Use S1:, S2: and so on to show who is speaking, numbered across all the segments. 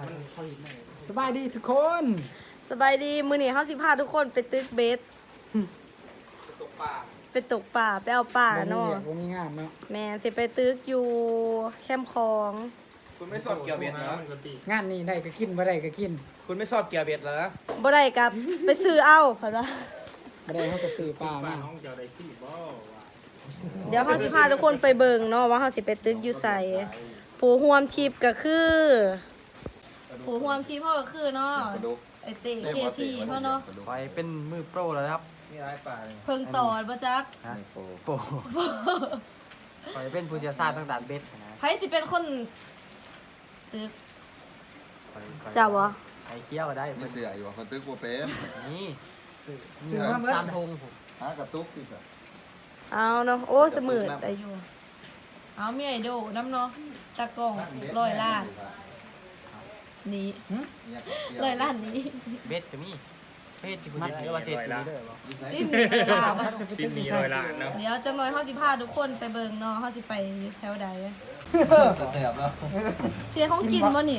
S1: สบายดีทุกคน
S2: สบายดีมื้อนี้เฮาสิพาทุกคนไปตึกเบสไปตกป่าไปเอาป่าเนาะ
S1: บ่มีงานเนาะ
S2: แม่สิไปตึกอยู่แคมป์คลอง
S3: คุณไม่สอบเกี่ยวเบ็ดเหรอง
S1: านนี้ได้ก็กินบ่ได้ก็กิน
S3: คุณไม่สอบเกี่ยวเบ็ดเหรอ
S2: บ่ได้กับไปซื้อเอาเพิ่นว่า
S1: บ่ได้เฮาก็ซื้อปลามา
S2: เดี๋ยวเฮาสิพาทุกคนไปเบิ่งเนาะว่าเฮาสิไปตึกอยู่ไสผู้ร่วมทริปก็คือผู้ร่วมทริปเฮาก็คือเนาะไอเต้เคทีเฮาเนาะ
S4: คอยเป็นมือโปรแล้วนะครับ
S3: มีร้ายป่าเลย
S2: เพิ่งตอดบ่จัก
S4: ฮะโปรคอยเป็นผู้เชี่ยวชาญทางด้านเบ็ดนะ
S2: ไผสิเป็นคนตึก
S4: คอย
S2: จ้าบ่
S4: ไอ้เคี้ยวก็ได้
S5: ไม่เสืออยู่ว่าคนตึกบัวเป็น
S4: นี่
S1: ซื้อมาเบิด
S4: สามธงผม
S5: หากระตุกที่สุด
S2: เอาเนาะโอ้เสมือได้อยู่เอามีไอโดน้ำเนาะตะกล้อง100 ล้านนี่
S5: เนี่ย
S2: 100 ล้านนี้
S4: เบ็ดก็มีเบ็ดที่คุณเรียกว่าเศรษฐีเด้อบ่
S2: ดิ้น100 ล้าน
S1: ติดมีร้อยล้านเนาะ
S2: เดี๋ยวจังหน่อยเฮาสิพาทุกคนไปเบิ่งเนาะเฮาสิไปแถวใด
S5: จะแสบแล้ว
S2: เสียของกินบ่นี่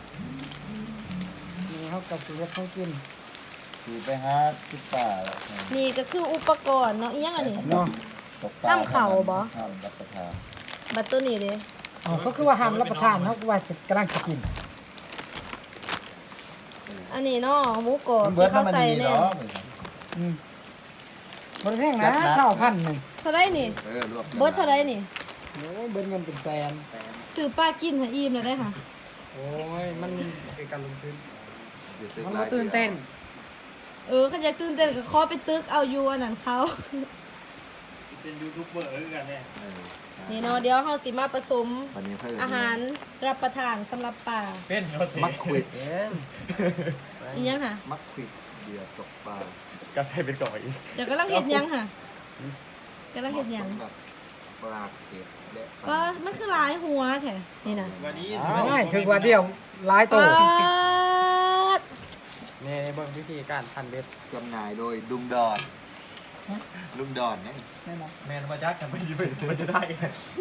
S1: นี่เฮาก็สิเฮ็ดให้กิน
S5: ขี่ไปหาทิศป่าแล้ว
S2: นี่ก็คืออุปกรณ์เนาะอีหยังอันนี้
S1: เนาะ
S5: ตกปลา
S2: น้ำเข่าบ่
S5: ห้ามรับประทาน
S2: บัดตัวนี้เด้
S1: อ๋อก็คือว่าห้ามรับประทานเฮาก็ว่าสิกำลังจะกิน
S2: อันนี้เนาะหมูกรอบ
S5: มันเบิ
S2: ที่
S5: ด
S2: เขา
S5: น้ำมัน
S2: ใส่
S5: ดี
S2: แน่
S5: เนาะ
S1: อืมบ่ได้แพงนะข้าวพันหนึง
S2: เท่าไรนี่
S5: รวบ
S2: เบิดเท่าไรนี่
S1: โอ้ยเบิดเงินเป็นแสน
S2: ซื้อป้ากินให้อิ่มเลยได้ค่ะ
S1: โอ้ยมันเป็นการลงทุน
S5: เสียตึก
S1: มัน
S5: หลา
S1: บ่
S5: ย
S1: ตื่นเต้น
S2: คันอยากตื่นเต้นก็ขอไปตึกเอาอยู่อันนั้นเขา
S3: เป็นยูทูบเบอร์กันเนี่ย
S2: นี่เนาะเดี๋ยวเฮาสิมาผสม
S5: วันนี้เพิ่ม
S2: อาหารรับประทานสำหรับป่า
S3: เป็นเขาตี
S5: มักควิด
S4: เป็น
S2: อีหยังค่ะ
S5: มักควิดเดียวตกปลา
S3: ก็ใส่เป็นก่อนอีก
S2: เจะกำลังเฮ็ดหยังค่ะกำลังเฮ็ดหยัง
S5: สำรับปลาเก็บและ
S2: ว่ามันคือหลายหัวแท้นี่น่ะ
S3: วันนี้
S1: ไม่ถึงว่าเดียวหลายโต
S2: ปาด
S4: ในเบิ่งวิธีการพันเบ็ด
S5: จำหน่ายโดยลุงดอนลุงดอนเนี่ย
S1: แน่นอน
S3: แมนมาจักกันไม่ยืมมันจะได้ไง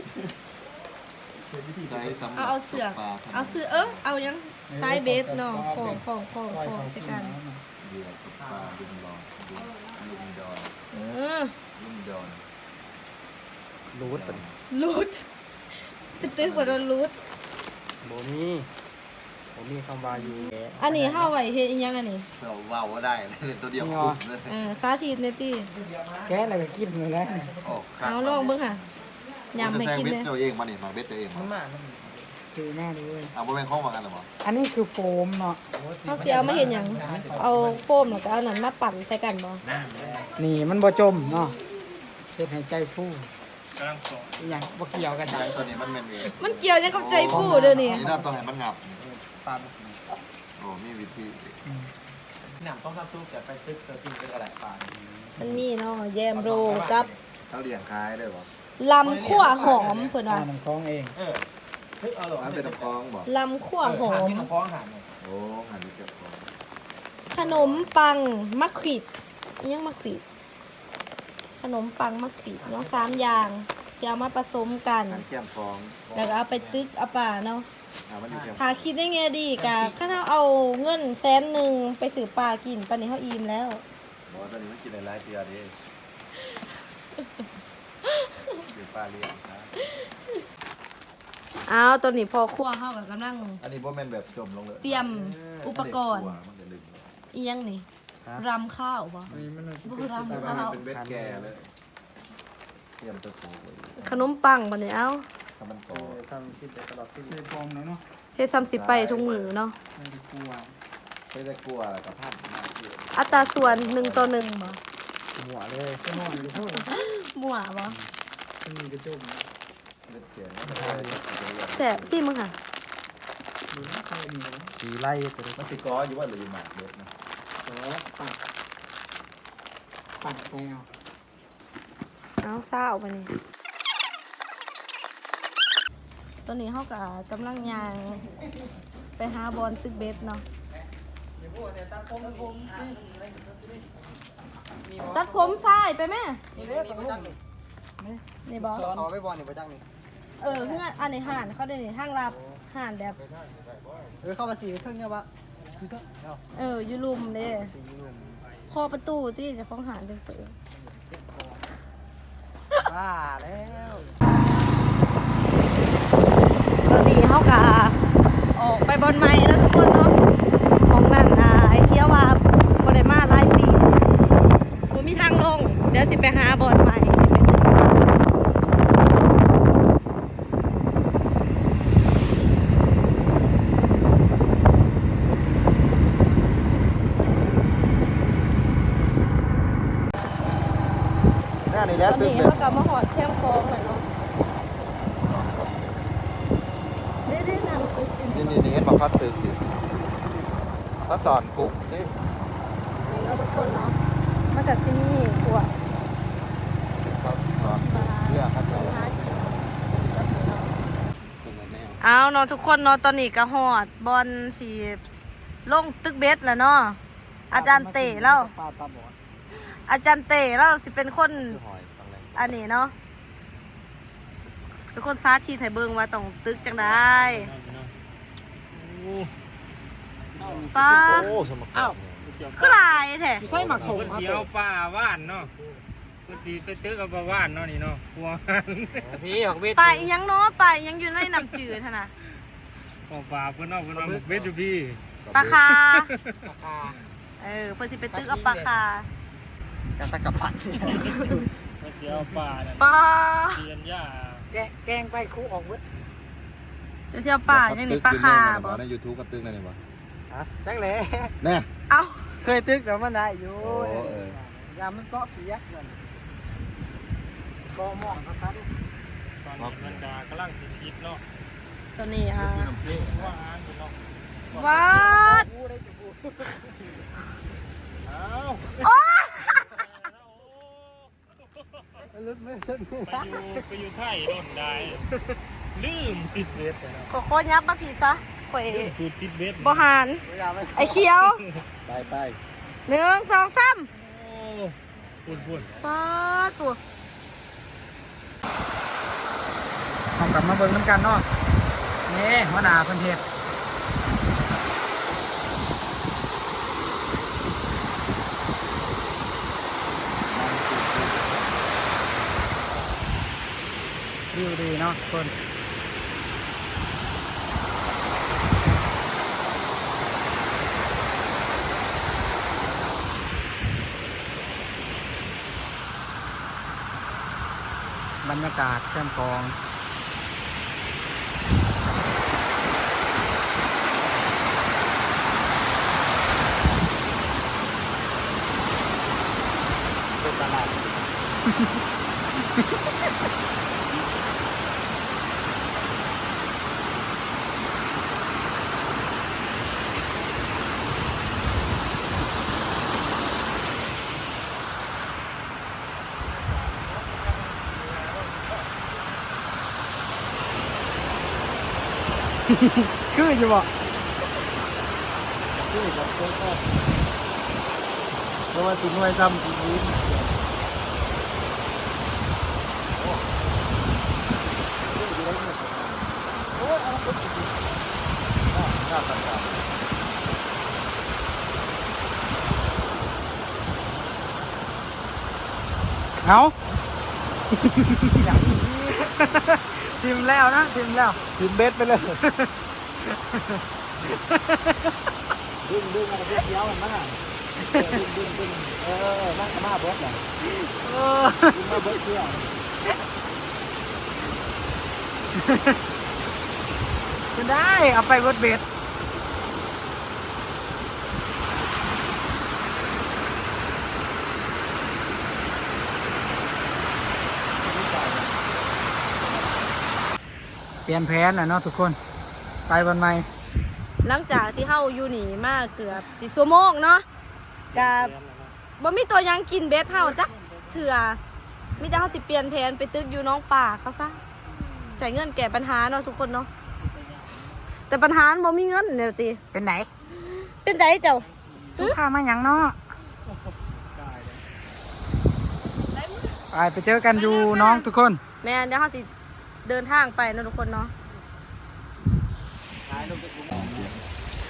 S5: ใช้สำหรับ
S2: เอาเสือก
S5: ตกปลา
S2: เอาเสือเอายังสายเบสเนาะของ
S1: ปล่อยเขา
S2: ไป
S1: กิน
S2: กัน
S5: เดียวตกปลาลุงดอนลุงดอน
S2: เออ
S5: ลุงดอน
S4: รูดเป็น
S2: รูดเป็นตึกว่าโดนรูด
S4: บ่มีคำว่าอยู่แก
S2: อันนี้เฮาไว้เฮ็ดอีหยังอันนี้
S5: เราว่าวว่าได้เลยตัวเดียวคุ้มเลย
S2: สาธิตในตี้
S1: แกะแล้วก็กินเลยแหละ
S5: โอ้
S2: เอาลองเบิ่งค่ะยำให้กิน
S5: เบ็
S2: เล
S5: ด
S2: ย
S5: ตัวเองมาเนี่ยมาเบ็ดตัวเองมา
S1: คือหน้าดูเลย
S5: เอาไปเป็นข้องมากันหรอวะ
S1: อันนี้คือโฟมเนาะ
S2: เฮาสิเอามาเฮ็ดหยังเอาโฟมแล้วก็เอานั้นมาปั่นใส่กันบ่
S1: นี่มันบ่จมเนาะเฮ็ดให้ใจฟู
S3: กำลังสอน
S1: อหย่างบ่เกี่ยวกัน
S5: ใช่ตัวนี้มันเป็นเอง
S2: มันเกี่ยวยังกับใจฟูเด้อนี่
S5: นี่น่าต้องให้มันงับ
S4: ปลา
S5: โอ้มีวิธี
S4: หนำต้องทำซุปจะไปตึกกินเป็นอะไรปลา
S2: มันมีเนาะแยมโรกับ
S5: เขาเลี้ยงคล้ายได้ปะ
S2: ลำขั่วหอมเพิ่นว่า
S1: น้ำคลองเอง
S4: เฮ้ยเอาหรอ
S5: มันเป็นน้ำคล้องบอก
S2: ลำขั่วหอม
S4: น้ำคล้องหาง
S5: โอ้หันดูเจ็บคอ
S2: ขนมปังมะขวิดอีหยังมะขวิดขนมปังมะขวิดเนาะ3อย่างที่เอามาผสมกัน
S5: หันแก้มคล้อง
S2: แล้วก็เอาไปตึกเอาป่าเนาะ
S5: มันอยู่แก้ม
S2: ถ้าคิดได้ไงดีกะข้าเอาเงิน100,000ไปซื้อปลากินปานนี้เฮาอิ่มแล้ว
S5: บอกตอนนี้มันกินหลายเตียดิเดี๋ยวป้าเลี้ยงครับ
S2: อ้าวตอนนี้พอครัวเฮาก็กำลัง
S5: อันนี้บ่แม่นแบบจมลงเลย
S2: เตรียมอุปกรณ์
S5: มันจะลึก
S2: อีหยังนี่รำข้าวบ่
S1: อันนี้มัน
S2: บ่คือรำ
S5: แต่ว่า
S2: ข้าว
S5: มันเป็นเบ็ดแก่เลยเตรียมตะโขกไว้
S2: ขนมปังบัดนี้เอ้า
S5: ถ้ามันโต
S4: ซ้ำสิบตลอดสิบ
S1: ใส่โฟมแล้วเนาะ
S2: เฮ็ด30ไปทุกมื้อเนาะ
S1: ไม่ได้กลัว
S5: ไม่ได้กลัวกับท่านมากเยอะ
S2: อัตราส่วน1 ต่อ 1บ่
S4: หัวเลย
S1: ก็นอนอยู่เท่า
S2: มั่วบ่
S1: มันมีกระจก
S5: เบ็ดแก่เนี่ย
S2: แซ่บสิมึงค่ะ
S1: ดูนะใครมีนะ
S4: สีไล่ตัวนี้
S5: มันสิก้ออยู่ว่าหรืออยู่หมากเบ็ดนะ
S1: ขอปัดใส่เอา
S2: เอาซ่าออกไปนี่ตอนนี้เฮาก็กำลังย่างไปหาบอลตึกเบสเนาะตัดผมซ้ายไปแม่
S4: นี่เลยต้องลุก
S2: นี่บ่
S4: เอาไปบอลนี่ไปจังนี่
S2: เฮือนอันนี้ห่านเขาได้นี่ทางลับห่านแบบ
S4: เข้ามา4เครื่องเนี่ยวะ
S2: อยู่ลุมเด้คอประตูที่จะฟ้องหานจังเปิด
S4: บ้าแล้ว
S2: ตอนนี้เขากะออกไปบอลไม้แล้วทุกคนเนาะของนั่นไอ้เคี้ยวว่าบอลมาหลายปีผมมีทางลงเดี๋ยวสิไปหาบอลไม้ตอนนี้เขากลับมาหอดแคมป์คลองเลยเนาะได้นำตึก
S5: นี่เห็นบอกเขาตึกอยู่เขาสอนกุ๊กนี่
S2: เราทุกคนเนาะมาจากที่นี่ขวด
S5: เขาสอนเรื่องเขาจะ
S2: เอาเนาะทุกคนเนาะตอนนี้ก็หอดบอลสีลงตึกเบสแล้วเนาะอาจารย์เตะแล้วอาจารย์เตะแล้วสิเป็นคน
S5: หอยฟังเลย
S2: อันนี้เนาะเป็นคนซาชีไทยเบิงว่าต้องตึกจังได้ป้า
S5: โอ้สมการ
S2: คือลายแท้
S4: ใส่หมักสม
S3: เพิ่น
S4: ครับ
S3: สิเอาปลาว่านเนาะเพิ่นสิไปตึกเอาปลาว่านเนาะนี่เนาะหัวหัน
S4: พี่ออกเวท
S2: ปลาอีหยังเนาะปลาอีหยังอยู่ในน้ำจืดท่นน่ะ
S3: เอาปลาเพิ่นเอาเพิ่นเอาหมกเบ็ดอยู่พี่
S2: ปลาคา
S4: ราคา
S2: เพิ่นสิไปตึกเอาปลาคาก
S4: ระสักกระปัด
S3: เพิ่นสิเอาปลานั่น
S2: ปลา
S3: เรียนหญ้า
S4: แกงไปคู่ออกเวท
S2: จะเสียปลาอย่างนี้ปลาคาบ่
S5: ใน YouTube ก็ตึกนั่นเองวะ
S4: แจ้งเลย
S5: แน่
S2: เอ้า
S4: เคยตึกแต่มันได้อยู่
S5: โอ้เออ
S4: ยามมันเกาะเสียเงินก็มองครับ
S3: ตอนนี้เพิ่นก็กำลังสิชิดเนาะ
S2: ตัวนี้ฮะ
S5: น้ำเชี่ย
S3: ว่าหานอยู่เนาะ
S2: วัด
S4: กูได้จุบู
S3: อ้าว
S2: โอ้ย
S4: ลึกไม่ลึก
S3: ไปอยู่ไทยโดนได้ลืมสิบเบ็ดไปเนาะ
S2: ขอโคตรยับมาผีซะข่อย
S3: ลืมสูตรสิบเบ็ด
S2: บ่หาน ไอ้เขียว
S5: ไป
S2: 1 2 3
S3: โอ้พูด
S2: ปาดตัว
S4: เอากลับมาเบิ่งน้ำกันเนาะนี่หัวหน้าเพิ่นเฮ็ดวิวดีเนาะคนบรรยากาศแคมป์กองเป็นตลาด คืออยู่บ่คือครับเพราะว่าถึงไว้ซ้ำจริงเอาทีมแล้วนะทีมแล้ว
S5: ทีมเบสไปเลย
S4: ดึงอะไรเดียวมันมั้งอ่ะดึงนั่งมาเบิร์ดเหรอมาเบิร์ดเชื่อจะได้เอาไปเบิร์ดเบ็ดเปลี่ยนแผนแล้วเนาะทุกคนไปวันใหม่
S2: หลังจากที่เฮาอยู่นี่มาเกือบ4 ชั่วโมงเนาะกับบ่มีตัวหยังกินเบ็ดเฮาจักเถื่อมีแต่เฮาสิเปลี่ยนแผนไปตึกอยู่น้องป่าเขาซะจ่ายเงินแก้ปัญหาเนาะทุกคนเนาะแต่ปัญหาบ่มีเงินเดี๋ยวติ
S4: เป็นไหน
S2: เป็นไดเจ้า
S4: สู้ข้ามาอย่างเนาะไปเจอกันอยู่น้องทุกคน
S2: แม่นเดี๋ยวเฮาสิเดินทางไปเนาะทุกคนเนาะ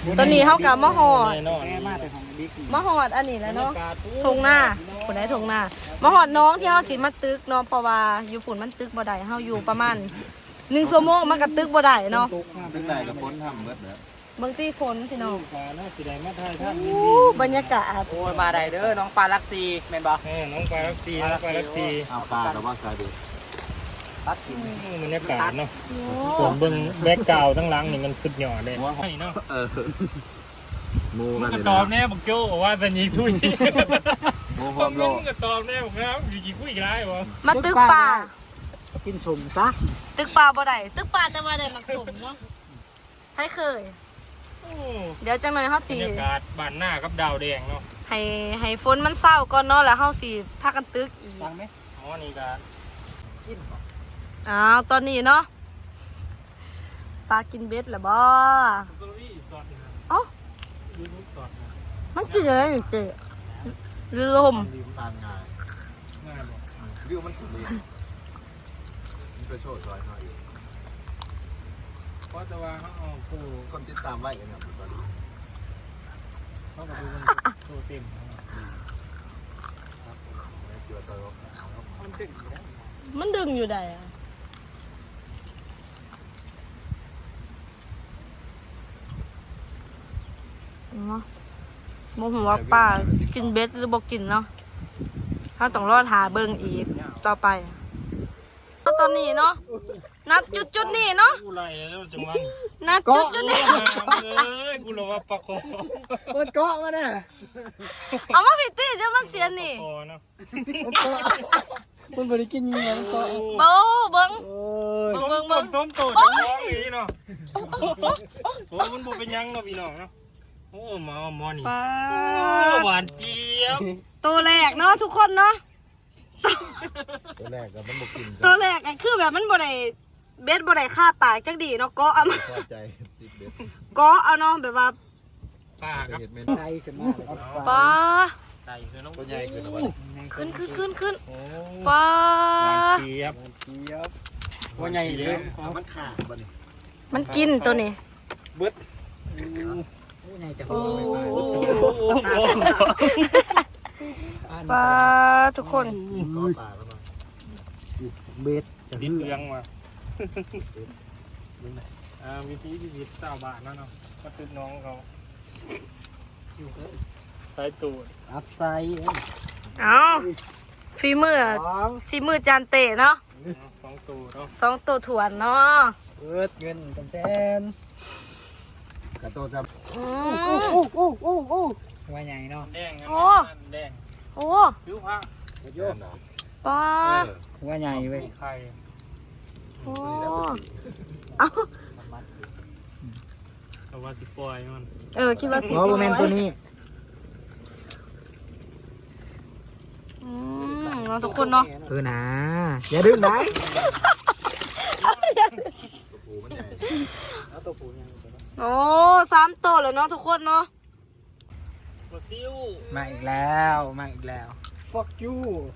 S2: ตอนนี้เฮากับมะฮอด
S3: แน่นอน
S4: แกมาแต่ของบิ๊ก
S2: มะฮอดอันนี้แหล้วเนาะทงหน้าคนได้ทงหน้ามาฮอดน้องที่เฮาสิมาตึกเนาะเพราะว่าอยู่ฝุ่นมันตึกบ่ได้เฮาอยู่ประมาณ1 ชั่วโมงมันก็ตึกบ่ได้เนาะ
S5: ตึกไหนกับพ้นทำเบิดแล้ว
S2: เบิ่งตีฝนพี่น้อง
S3: ฟ้าน่าสิได้มาถ่ายท่าน
S2: บรรยากาศ
S4: โอ้ยมาได้เด้อน้องปลาลักซีแม่นบ่
S3: น้องปลาลักซีน้องปลาลักซี
S5: เอาปลาแต่ว่าสายเด็ด
S4: ตัดกิน
S3: บรรยากาศเนาะ
S2: โอ้
S3: ผมเบิ่งแบ็คกราวด์ทั้งหลังนี่มันสุดยอดเลยใช่เนาะ
S5: หมูกัน
S3: ก็
S5: เลย
S3: ต
S5: นะ
S3: อบแน่บอกโจ้ว่าสัญญีทุย
S5: หมูพ
S3: ผ
S5: ร้อ
S3: ม
S5: มโล
S3: ก็ตอบแน่บอกครับอยู่กี่คุยไรวะ
S2: มาตึกป่า
S4: กินสมซะ
S2: ตึกป่าบ่ได้ตึกป่าแต่ว่าได้มักสมเนาะให้เคย
S3: โอ้
S2: เดี๋ยวจังหน่อยเฮา
S3: บร
S2: สิ
S3: รยากาศบ้านหน้ากับดาวแดงเนาะ
S2: ให้ฝนมันเศร้าก่อนเนาะแล้วเฮาสิพากันตึกอีก
S4: ฟังไหม
S3: อ๋อนี่ก็
S2: อ้าวตอนนี้เนาะปลากินเบ็ดแล้วบ่
S3: สตอรี่สดนะ
S2: เอ้า
S3: ยูทูบสดนะ
S2: มันกินอะไรนี่เจ๊ลม
S5: ลืมตานง่าย
S3: ง่ายบอก
S5: วิวมันสุดเลยมันไปโชว์ซอยเขาอยู่
S3: เพราะแต่ว่าเขาเอาปู
S5: คนติดตามไว้กันเนี่ยตอนนี้
S3: เขาก็ดูมันโตเต็ม
S5: เกี่ยวกับ
S4: มันถึงอยู่แล้ว
S2: มันดึงอยู่ได้อะเนาะโมโหว่าป้ากินเบ็ดหรือบอกกินเนาะถ้าต้องรอดหาเบิ่งอีกต่อไปตอนนี้เนาะนัดจุดนี่เนาะ
S3: กูไล่แล้วจังหวะ
S2: นัดจุดนี่
S3: เลยกูรู้ว่าปลาคอ
S4: เปิดเกาะมาเนี่ย
S2: เอามาพิตี้จะมันเสียนี่
S3: คอเนาะ
S4: มันบ่ได้กินเงี้ยเกาะ
S2: เบ้าเบิ่ง
S4: โอ้ย
S3: ส้ม
S2: เบิ่ง
S3: ต้
S2: เบิ่
S3: ม
S2: ง
S3: ส้มโตจังหวะอย่างนี้เนาะโอ้มันบ่เป็นยังเนาะพี่น้องเนาะโอ้มาหมอนี่
S2: ปลา
S3: หวานเจี๊ยบ
S2: ตัวแรกเนาะทุกคนเนาะ
S5: ตัวแรกกับมันบกิน
S2: ตัวแรกก็คือแบบมันบ่ได้เบ็ดบ่ได้ฆ่าปากจักดีเนาะเก็เอามา
S5: พอใจติดเบ็ด
S2: เก็เอาเนาะแบบว่า
S3: ปลาครับ
S5: เห็ดเมน
S4: ใจขึ้นมาเลย
S2: ปลา
S3: ไก่คือน้อง
S5: ตัวใหญ่ขึ้นนะวะ
S2: ขึ้น
S3: โอ้
S2: ปลา
S3: หวานเจี๊ยบ
S4: เจี๊ยบว่าใหญ่เลย
S5: มันขาดบ่นี่
S2: มันกินตัวนี้
S3: เบิด
S4: ใหญ่แต่
S2: โอ้
S3: โอ้โห
S2: ปลาทุกคน
S5: ก็ปลาแล้วมั้ง
S4: เบ็ด
S3: ดินเลี้ยงมาวิธีชีวิตชาวบ้านนั่นเนาะก็ตึกน้องเขาใส่ตูด
S4: อัพไซด์
S2: เอาฝีมือจานเตะเนาะ
S3: 2ตูเนาะ
S2: 2ตัวถ่วนเนาะ
S4: เปิดเงินเป็นแสน
S5: กระโตจะ
S2: อื
S4: โอ้
S2: ม
S4: โอ้โอ้โอ้ว่าใหญ่เนาะ
S3: แดง
S2: โอ้
S3: แดง
S2: โอ้
S3: ผิวผ้า
S5: โยน
S2: ปลา
S4: ว่าใหญ่เว้ย
S3: ไข่
S2: โอ้เอา
S3: เอาว่าสิปล่อยมัน
S2: คิดว่าสิ
S4: เพราะว่าแมนตัวนี้
S2: เนาะทุกคนเนาะ
S4: นะอย่าดึงไหน
S5: ตัวผูมันใหญ่
S4: เอาตัวผูยัง
S2: โอ้3ตัวเลยเนาะทุกคนเนาะ
S3: ปลาซิว
S4: มาอีกแล้วมาอีกแล้ว fuck you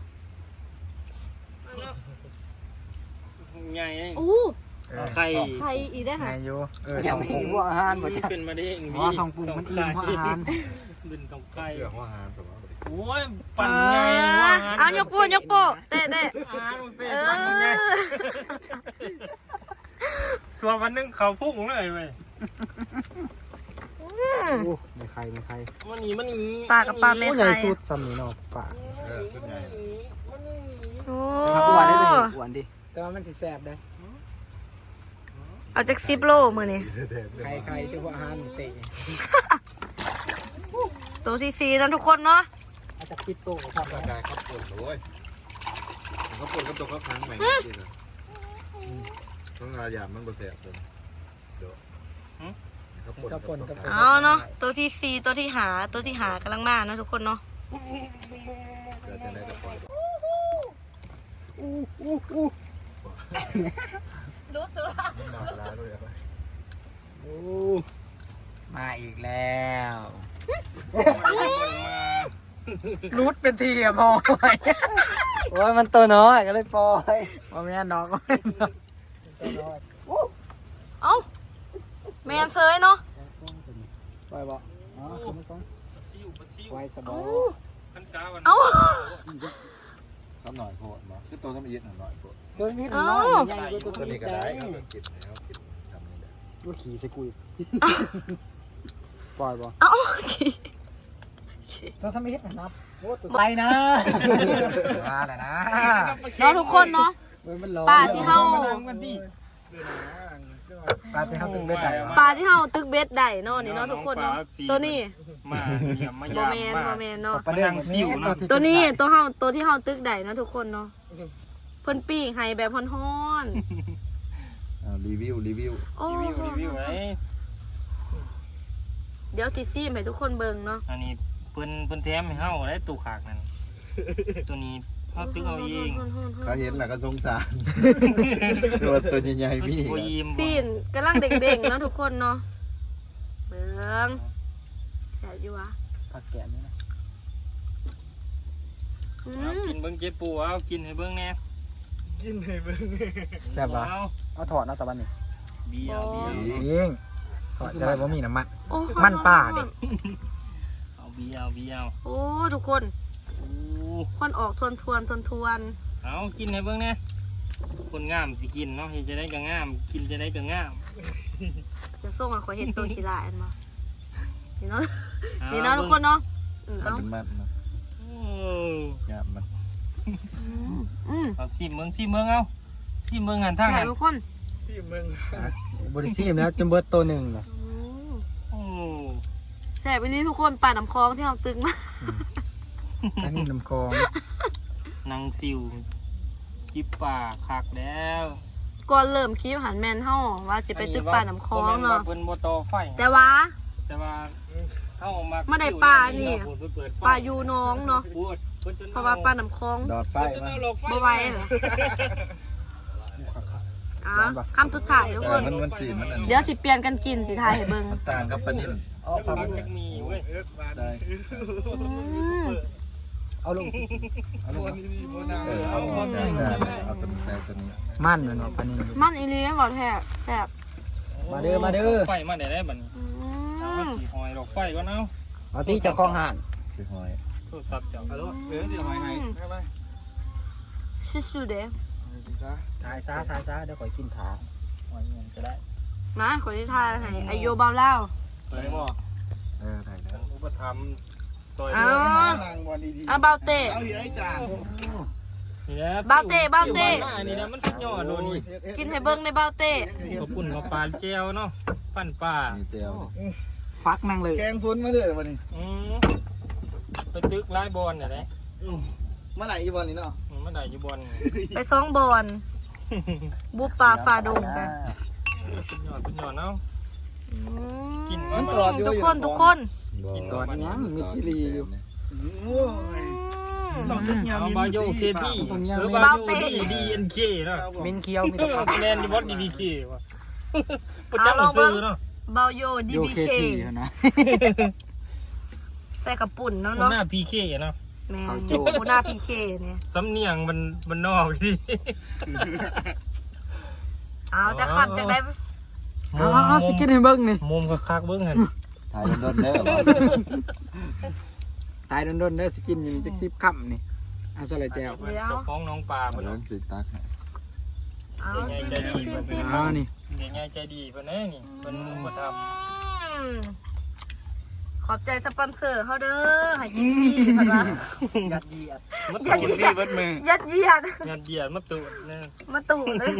S3: ใหญ่
S2: อู้
S3: ไข่
S2: ไข่อีกได้
S4: ไง
S2: ค่ะ
S4: อยู่สองปรุงว่าอาหารบ่จ้ะ
S3: เป็นมาได้เอง
S4: อ๋อสองปรุงมันอิ่มเพราะอาหาร
S3: บินของไข่
S5: เรื่องหัวหางผมว่า
S3: โอ้ยปั่นไงว่า
S2: เอายกโปะเตะ
S3: อาหารเตะปั่นไงส่วนวันนึงเขาพุ่งเลยเว้ย
S4: โอ้ไม่ใครไม่ใคร
S3: มันหนีมันหนี
S2: ปลากับปลาแม่
S4: โอ้ใหญ่
S2: ไข่
S4: สุดซ้ำนี่เนาะป่า
S5: ชุดใหญ่
S2: โอ้
S4: อ้วนได้เลยอ้วนดิแต่ว่ามันสิแสบได้
S2: เอาจาก10 โลมือนี่
S4: ใครที่ว่าอาหารเตะ
S2: ตัวที่4นะทุกคนเนาะ
S4: อาจจะคิดโตกับความ
S5: ร่างกายเขาปวดเลยเขาปวดก็ตกเขาค้างใหม่จริงๆต้องอาหยามมันบดแสบเลยเดี๋ยวเขาปวด
S2: เอาเนาะตัวที่4ตัวที่หากำลังมาเนาะทุกคนเนาะ
S5: เดี๋ยวจะได้จะปล่อย
S2: ดูตัว
S5: หนาลาด้วยครับ
S4: โอ้มาอีกแล้วรูดเป็นทีอะพอโอ้ยมันตัวน้อยก็เลยปล่อยว่าแม่น้องก็เลยตัวน้อย
S2: เอ้าแมนเซยเนาะ
S4: ปล่อยบ่อ๋อคือมันต้อง
S3: ปลาซิว
S4: ไว้สบอ
S3: ขั้นกาวัน
S2: เอ้า
S5: ทำหน่อยโพดมาคือตัวทำเย็นหน่อยโพด
S4: ตัวนี้น้อยใหญ่กว่า
S5: ตัว
S4: ตัว
S5: นี้
S4: นี้
S5: ก็
S4: ก็
S5: ได้
S4: ได้
S5: เขาก็กินแล้วกินทำนี่แหละ
S4: ว่าขี่ใส่กุยปล่อยบ่
S2: เอ้า
S4: ตัวทำไม่เฮ็ดนะครับโอ้ตัวไปนะมาแล้วนะ
S2: เนาะทุกคนเนาะ
S4: มันร้อน
S2: ปลาที่เฮา
S3: มันดี
S4: ปลาที่เฮาตึงได้ไก่
S2: ปลาที่เฮาตึกเบ็ดได้เนาะนี่เนาะทุกคนเนาะตัวนี้
S3: มาเยี่ยมมา
S2: บ่
S3: ยาม
S2: แม่น
S3: มา
S2: บ่แม่นเนาะ
S4: ปลาเด้งซิวเนาะ
S2: ตัวนี้ตัวที่เฮาตึกได้เนาะทุกคนเนาะเพิ่นปิ้งให้แบบฮ้อน
S5: รีวิว
S2: ๆโอ้
S3: รีวิวไว้
S2: เดี๋ยวสิซีมให้ทุกคนเบิ่งเนาะ
S3: อันนี้เพิ่นแถมให้เฮาได้ตู้ขากนั่นตัวนี้เฮาตึกเอาเอง
S5: เขาเห็นแล้วก็สงสารตัวใหญ่ๆพี่
S3: บ่ยิ้ม
S2: ซีนกำลังเด้งๆเนาะทุกคนเนาะเบิ่งแซ่บอยู่วะ
S4: ผักแกะนี่นะ
S2: อื
S3: เอา
S2: ม
S3: กินเบิ่งเจ็บปูเอากินให้เบิ่งแน่
S4: แซ่บบ่
S3: เอา
S4: เอาถอดเอาตะวันนี่
S3: เบียร์เบียร์
S4: เองถอดจะได้บ่มีน้ำมัน
S2: โอ้
S4: มันป่าดิ
S3: เอาเบียร์เบียร์
S2: โอ้ทุกคน
S3: โอ้
S2: ควันออกทวน
S3: เอากินให้เบิ่งแน่คนงามสิกินเนาะเฮ็ดจะได้ก็งาม กินจะได้ก็งาม
S2: จะส่งอ่ะขอเห็นตัวกีฬาอันมานี่เนาะนี่เนาะทุกคนเนาะ
S5: มัน
S2: เอา
S5: เป็นมัดนะ
S3: โอ้
S5: ยามมัน
S3: เอาซิมเบิ่งซิมเบิ่งเอาซิมเบิ่งหันทาง
S2: ถ่า
S3: หั
S2: ย
S3: น
S2: ทุกคน
S4: บริซีมแล้วจนเบิดตัวหนึ่งน่ะ
S3: โอ้
S2: แซ่บไปนี่ทุกคนป่าน้ำคลองที่เราตึงมา
S4: อันนี้น้ำคลอง
S3: นางซิวจิบป่าคักแล้ว
S2: ก่อนเริ่มคลิปหันแมนเฮาว่าจะไปตึกป่าน้ำคลองเนาะ
S3: เพิ่นบ่ต่อไฟ
S2: แต่ว่า
S3: แต่ว่าเฮามา
S2: ไม่ได้ป่านี่
S3: เพิ่นเปิดไฟ
S2: ป่าอยู่น้องเนาะ
S3: ปวดเพิ่นจน
S2: เพราะว่าป่าน้ำคลอง
S5: ดอดไฟ
S3: เพิ่นจน
S5: มา
S3: เอาหลอกไฟ
S2: บ่ไหวเหรออ่ะคำสุดท้ายทุกคน
S5: มันสีมันอัน
S2: เดี๋ยวสิเปลี่ยนกันกินสิทายให้เบิ่ง
S5: มันต่างกับปลานิ่ม
S4: เอาปลา
S3: ปักจักมีเว้ย
S5: ได้
S4: เอาลง
S5: เอาตัวนี้ใส่ตัวนี้
S4: มันมันว่าปลานิ่ม
S2: มันอีหลีบ่แท้แซ่บ
S4: มาเด้อมาเด้อ
S3: ไฟมาได้บัดนี้
S2: อื
S3: เอา
S2: ม
S3: สิหอยหลอกไฟก่อนเอา
S4: เอาที่เจะคลองห่าน
S5: คือหอย
S3: โทรศัพท์เจ้า
S2: สุดๆเด้
S4: ถ่ายซะเดี๋ยวข่อยกินขา
S3: หอยเงินก็ได้
S2: มาขอที่ทายให้อายุเบาเล่า
S5: ถ่ายแล้ว
S3: อุปถัมภ์ซอย
S2: เอา
S3: เรือ
S2: เอาเบาเตะ
S3: นี่แหละ
S2: เบาเตะเบาเตะ
S3: อันนี้นะมันสุดยอดโดนี่
S2: กินให้เบิ่งในเบาเตะ
S3: ขอบคุณมาปลาเจลเนาะปั้นปลา
S5: มีเจียว
S4: ฟักนั่งเลย
S5: แกงฟุ้นมาเลยวันนี้
S3: ไปตึกไล่บอลเนี่ยนะ
S5: เมื่อไหร่อีบอลนี่เนาะ
S3: มันได้อยู่บอล
S2: ไปซ้องบอลบุปลาฟาดงกัน
S3: สุดยอดเนาะ กิน
S2: ทุกคน
S3: กิน
S4: ตอนนี้มีกิรีอยู่
S3: เอาบาโยเคที่หรือบาโยดีเอ็นเคเนาะ
S4: มินเคียวมีแต่ผัก
S3: แมนดีบอสดีบีเควะประจำซื้อเนาะ
S2: เบาโยดี
S4: โย
S2: บี
S4: เค
S2: เค
S4: ทีนะ
S2: ใส่กระปุ่นเนาะ
S3: หน้าพีเคเนาะ
S2: แม่หูหน้าพีเคเนี่ย
S3: สำเนียงมันนอกดิ
S2: เอาจะขับจากได้
S4: เอาสิกินให้เบิ่งนี่
S3: มุมคักๆเบิ้งหัน
S5: ถ่ายโดนๆเด้อ
S4: ตายโดนๆเด้อสิกินอยู่จัก10ค่ำนี่เอาซะเลยแจ้ว
S2: เดี๋ยว
S3: เจ้าของน้องปลา
S5: มา
S3: เพิ่น
S5: โดนสิตัก
S2: เอาซิม
S4: เอานี่
S3: เดี๋ยวง่ายใจดีเพิ่นแน่นี่เพิ่นมาท
S2: ขอบใจสปอนเซอร์เขาเด้อให้กินฟรีพันวะ
S4: ยัดเยียด
S3: ำมาตูดนี่เบิดมือ
S2: ยัดเยียด
S3: งานเดียดมาตูดเนี่ย
S2: มาตู่เลย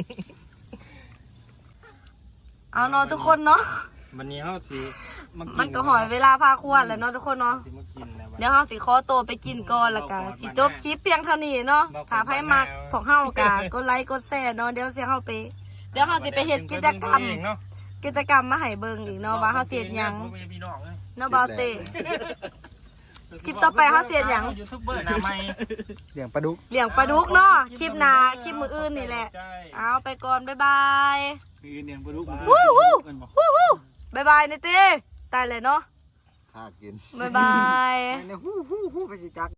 S2: เอาเนาะทุกคนเนาะ
S3: วันนี้เฮาสิมากิน
S2: มันก็หอยเวลาพาควรแล้วเนาะทุกคนเนาะ
S3: สิมากินนะ
S2: เดี๋ยวเฮาสิขอตัวไปกินก่อนแล้วก็สิจบคลิปเพียงเท่านี้เนาะถ้าไผมักพวกเฮากะกดไลค์กดแชร์เนาะเดี๋ยวเฮาสิไปเฮ็ดกิจกรรมมาให้เบิ่งอีกเนาะว่าเฮาสิเฮ็ดหยังเนาะบ่าวเต้คลิปต่อไปเฮาสิเฮ็ดหยัง
S3: ยูทูบเบอร์หน้าใหม่
S4: เลี้ยงปลาดุก
S2: เลี้ยงปลาดุกเนาะคลิปหน้าคลิปมื้ออื่นนี่แหละเอาไปก่อนบ๊ายบาย
S5: มีเนียงปลาดุก
S2: วู้ฮู้วู้บ๊ายบายนี่ติตายเลยเนาะ
S5: ข้ากิน
S2: บ๊ายบาย
S4: ฮู้ไปสิจัก